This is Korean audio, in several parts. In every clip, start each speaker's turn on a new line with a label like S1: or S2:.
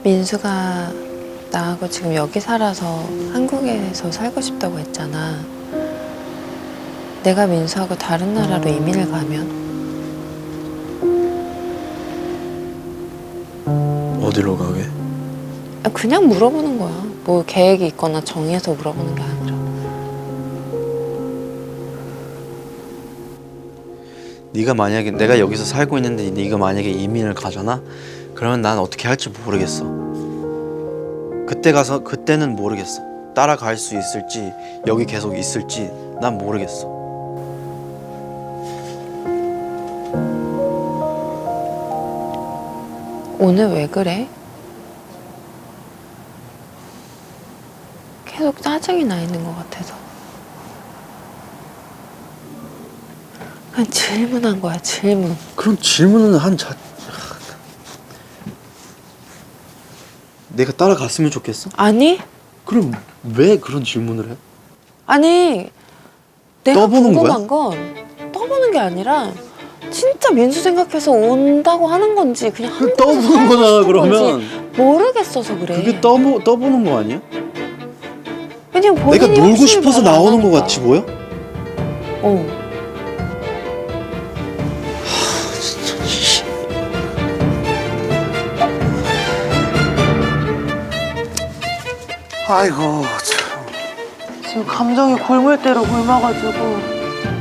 S1: 민수가 나하고 지금 여기 살아서 한국에서 살고 싶다고 했잖아. 내가 민수하고 다른 나라로 이민을 가면?
S2: 어디로 가게?
S1: 그냥 물어보는 거야. 뭐 계획이 있거나 정해서 물어보는 게 아니라.
S2: 네가 만약에 내가 여기서 살고 있는데 네가 만약에 이민을 가잖아? 그러면 난 어떻게 할지 모르겠어. 그때는 모르겠어. 따라갈 수 있을지 여기 계속 있을지 난 모르겠어.
S1: 오늘 왜 그래? 계속 짜증이 나 있는 것 같아서. 그냥 질문한 거야, 질문.
S2: 그럼 질문은 내가 따라갔으면 좋겠어?
S1: 아니?
S2: 그럼 왜 그런 질문을 해?
S1: 아니, 내가
S2: 떠보는
S1: 궁금한 건 떠보는 게 아니라 진짜 민수 생각해서 온다고 하는 건지 그냥 한국에서
S2: 떠보는
S1: 살고
S2: 거잖아,
S1: 싶은
S2: 그러면.
S1: 건지 모르겠어서 그래.
S2: 그게 떠보는 거 아니야?
S1: 왜냐면 본인이
S2: 내가 놀고
S1: 확실히
S2: 싶어서
S1: 말을 안
S2: 나오는 거
S1: 하니까.
S2: 같이 보여?
S1: 어.
S3: 아이고 참.
S4: 지금 감정이 골물대로 굶어가지고.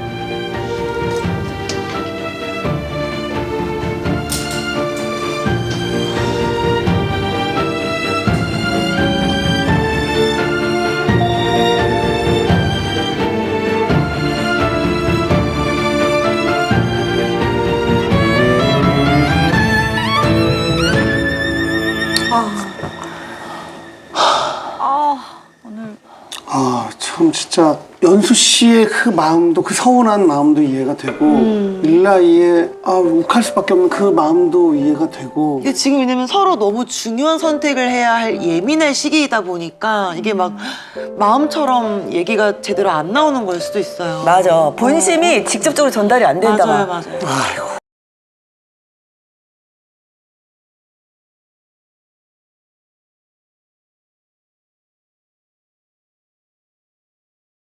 S3: 아, 참 진짜 연수 씨의 그 마음도 그 서운한 마음도 이해가 되고 릴라이의 욱할 수밖에 없는 그 마음도 이해가 되고.
S4: 이게 지금 왜냐면 서로 너무 중요한 선택을 해야 할 예민할 시기이다 보니까 이게 막 마음처럼 얘기가 제대로 안 나오는 걸 수도 있어요.
S5: 맞아. 본심이 직접적으로 전달이 안 된다.
S4: 맞아요,
S5: 막.
S4: 맞아요.
S3: 아이고